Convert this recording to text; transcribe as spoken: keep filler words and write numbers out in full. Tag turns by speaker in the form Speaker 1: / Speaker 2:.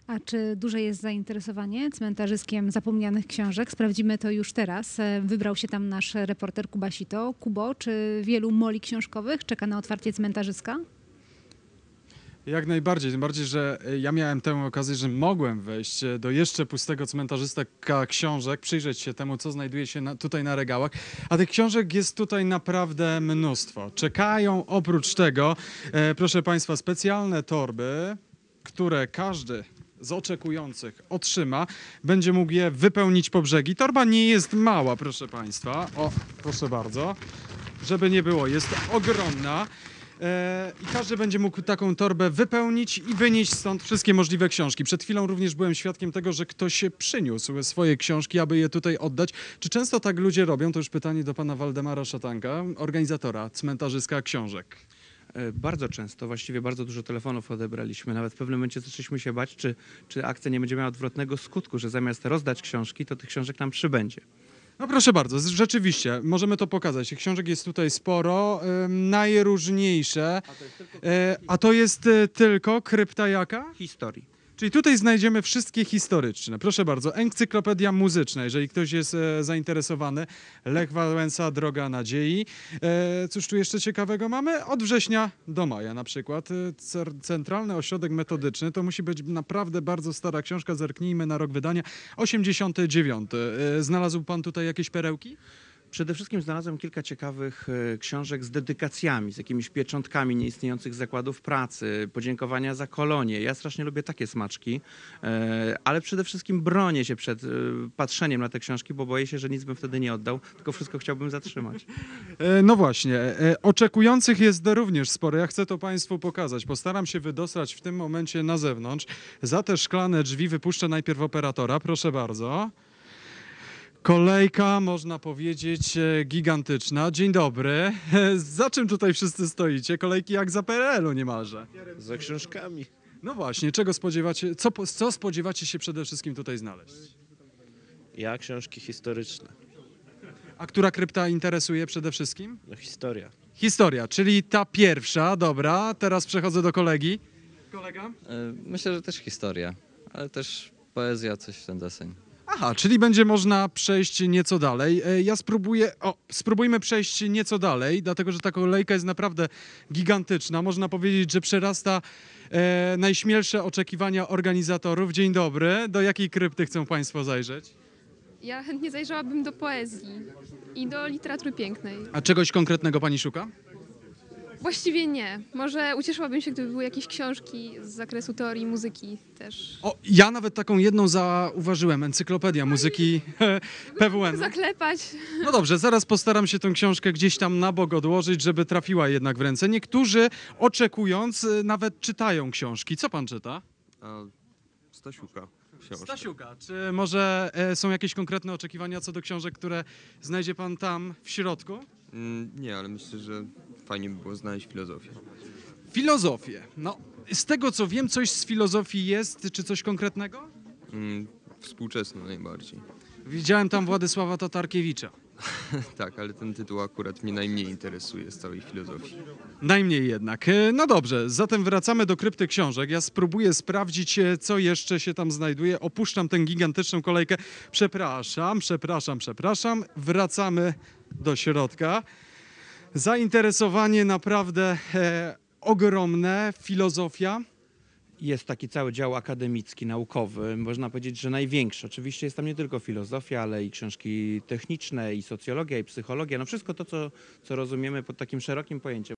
Speaker 1: A czy duże jest zainteresowanie cmentarzyskiem zapomnianych książek? Sprawdzimy to już teraz. E, Wybrał się tam nasz reporter Kuba Sito. Kubo, czy wielu moli książkowych czeka na otwarcie cmentarzyska?
Speaker 2: Jak najbardziej, tym bardziej, że ja miałem tę okazję, że mogłem wejść do jeszcze pustego cmentarzyska książek, przyjrzeć się temu, co znajduje się na, tutaj na regałach, a tych książek jest tutaj naprawdę mnóstwo. Czekają oprócz tego, e, proszę Państwa, specjalne torby, które każdy z oczekujących otrzyma, będzie mógł je wypełnić po brzegi. Torba nie jest mała, proszę Państwa. O, proszę bardzo. Żeby nie było, jest ogromna. E, I każdy będzie mógł taką torbę wypełnić i wynieść stąd wszystkie możliwe książki. Przed chwilą również byłem świadkiem tego, że ktoś przyniósł swoje książki, aby je tutaj oddać. Czy często tak ludzie robią? To już pytanie do pana Waldemara Szatanka, organizatora cmentarzyska książek.
Speaker 3: E, Bardzo często, właściwie bardzo dużo telefonów odebraliśmy. Nawet w pewnym momencie zaczęliśmy się bać, czy, czy akcja nie będzie miała odwrotnego skutku, że zamiast rozdać książki, to tych książek nam przybędzie.
Speaker 2: No proszę bardzo, z- rzeczywiście, możemy to pokazać. Tych książek jest tutaj sporo, ym, najróżniejsze. E, a to jest e, tylko krypta jaka?
Speaker 3: Historii.
Speaker 2: Czyli tutaj znajdziemy wszystkie historyczne. Proszę bardzo, encyklopedia muzyczna, jeżeli ktoś jest e, zainteresowany. Lech Wałęsa, Droga Nadziei. E, cóż tu jeszcze ciekawego mamy? Od września do maja na przykład. E, cer- Centralny Ośrodek Metodyczny. To musi być naprawdę bardzo stara książka. Zerknijmy na rok wydania. osiemdziesiąty dziewiąty. E, znalazł pan tutaj jakieś perełki?
Speaker 3: Przede wszystkim znalazłem kilka ciekawych e, książek z dedykacjami, z jakimiś pieczątkami nieistniejących zakładów pracy, podziękowania za kolonie. Ja strasznie lubię takie smaczki, e, ale przede wszystkim bronię się przed e, patrzeniem na te książki, bo boję się, że nic bym wtedy nie oddał, tylko wszystko chciałbym zatrzymać.
Speaker 2: E, No właśnie, e, oczekujących jest również sporo. Ja chcę to Państwu pokazać. Postaram się wydostać w tym momencie na zewnątrz. Za te szklane drzwi wypuszczę najpierw operatora. Proszę bardzo. Kolejka, można powiedzieć, e, gigantyczna. Dzień dobry. Za czym tutaj wszyscy stoicie? Kolejki jak za P R L u niemalże.
Speaker 4: Za książkami.
Speaker 2: No właśnie, czego spodziewacie, co, po- co spodziewacie się przede wszystkim tutaj znaleźć?
Speaker 4: Ja książki historyczne.
Speaker 2: A która krypta interesuje przede wszystkim?
Speaker 4: No historia.
Speaker 2: Historia, czyli ta pierwsza, dobra. Teraz przechodzę do kolegi. Kolega?
Speaker 5: E, Myślę, że też historia, ale też poezja, coś w ten deseń.
Speaker 2: Aha, czyli będzie można przejść nieco dalej. E, Ja spróbuję, o, spróbujmy przejść nieco dalej, dlatego że ta kolejka jest naprawdę gigantyczna. Można powiedzieć, że przerasta e, najśmielsze oczekiwania organizatorów. Dzień dobry. Do jakiej krypty chcą Państwo zajrzeć?
Speaker 6: Ja chętnie zajrzałabym do poezji i do literatury pięknej.
Speaker 2: A czegoś konkretnego Pani szuka?
Speaker 6: Właściwie nie. Może ucieszyłabym się, gdyby były jakieś książki z zakresu teorii muzyki też.
Speaker 2: O, ja nawet taką jedną zauważyłem, Encyklopedia Muzyki P W N.
Speaker 6: Zaklepać.
Speaker 2: No dobrze, zaraz postaram się tę książkę gdzieś tam na bok odłożyć, żeby trafiła jednak w ręce. Niektórzy oczekując y, nawet czytają książki. Co pan czyta?
Speaker 7: A Stasiuka książkę.
Speaker 2: Stasiuka, czy może e, są jakieś konkretne oczekiwania co do książek, które znajdzie pan tam w środku?
Speaker 7: Mm, nie, ale myślę, że fajnie by było znaleźć filozofię.
Speaker 2: Filozofię. No, z tego co wiem, coś z filozofii jest, czy coś konkretnego?
Speaker 7: Mm, współczesną najbardziej.
Speaker 2: Widziałem tam Władysława Tatarkiewicza.
Speaker 7: Tak, ale ten tytuł akurat mnie najmniej interesuje z całej filozofii.
Speaker 2: Najmniej jednak. E, No dobrze, zatem wracamy do krypty książek. Ja spróbuję sprawdzić, e, co jeszcze się tam znajduje. Opuszczam tę gigantyczną kolejkę. Przepraszam, przepraszam, przepraszam. Wracamy do środka. Zainteresowanie naprawdę e, ogromne. Filozofia.
Speaker 3: Jest taki cały dział akademicki, naukowy, można powiedzieć, że największy. Oczywiście jest tam nie tylko filozofia, ale i książki techniczne, i socjologia, i psychologia. No wszystko to, co, co rozumiemy pod takim szerokim pojęciem.